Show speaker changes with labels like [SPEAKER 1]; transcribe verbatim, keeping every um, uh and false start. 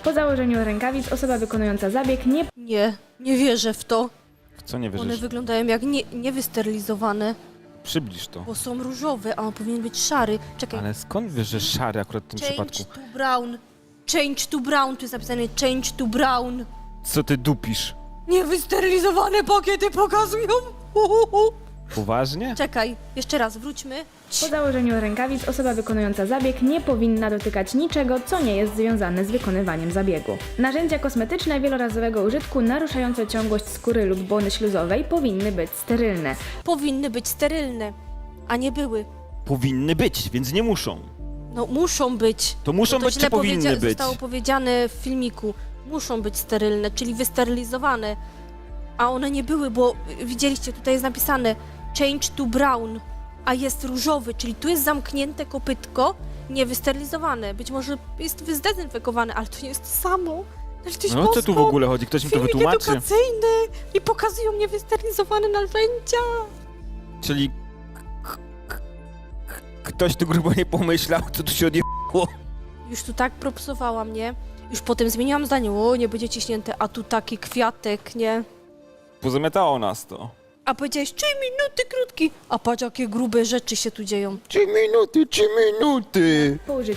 [SPEAKER 1] Po założeniu rękawic osoba wykonująca zabieg nie
[SPEAKER 2] Nie, nie wierzę w to.
[SPEAKER 3] W co nie
[SPEAKER 2] One
[SPEAKER 3] wierzysz?
[SPEAKER 2] wyglądają jak nie, niewysterylizowane,
[SPEAKER 3] Przybliż to.
[SPEAKER 2] bo są różowe, a on powinien być szary. Czekaj,
[SPEAKER 3] Ale skąd wiesz, że szary akurat w tym
[SPEAKER 2] change
[SPEAKER 3] przypadku?
[SPEAKER 2] to brown. Change to brown, tu jest napisane change to brown.
[SPEAKER 3] Co ty dupisz?
[SPEAKER 2] Niewysterylizowane pakiety pokazują. Uhuhu.
[SPEAKER 3] Poważnie?
[SPEAKER 2] Czekaj, jeszcze raz, wróćmy.
[SPEAKER 1] Po założeniu rękawic osoba wykonująca zabieg nie powinna dotykać niczego, co nie jest związane z wykonywaniem zabiegu. Narzędzia kosmetyczne wielorazowego użytku naruszające ciągłość skóry lub błony śluzowej powinny być sterylne.
[SPEAKER 2] Powinny być sterylne, a nie były.
[SPEAKER 3] Powinny być, więc nie muszą.
[SPEAKER 2] No muszą być.
[SPEAKER 3] To muszą
[SPEAKER 2] Bo to
[SPEAKER 3] być, czy
[SPEAKER 2] źle
[SPEAKER 3] powinny
[SPEAKER 2] powiedzia-
[SPEAKER 3] być?
[SPEAKER 2] Zostało powiedziane w filmiku. Muszą być sterylne, czyli wysterylizowane. A one nie były, bo y, widzieliście, tutaj jest napisane change to brown, a jest różowy, czyli tu jest zamknięte kopytko, niewysterylizowane. Być może jest zdezynfekowane, ale to nie jest to samo. Ale to jest
[SPEAKER 3] No o co tu w ogóle chodzi? Ktoś mi to
[SPEAKER 2] Filmik
[SPEAKER 3] wytłumaczy?
[SPEAKER 2] edukacyjny i pokazują niewysterylizowane narzędzia.
[SPEAKER 3] Czyli... k- k- k- Ktoś tu grubo nie pomyślał, co tu się odjechało.
[SPEAKER 2] Już tu tak propsowała mnie. Już potem zmieniłam zdanie, o nie będzie ciśnięte, a tu taki kwiatek, nie?
[SPEAKER 3] Pozamiatało nas to.
[SPEAKER 2] A powiedziałeś trzy minuty krótki, a patrz jakie grube rzeczy się tu dzieją.
[SPEAKER 3] Trzy minuty, trzy minuty!
[SPEAKER 1] Po użyciu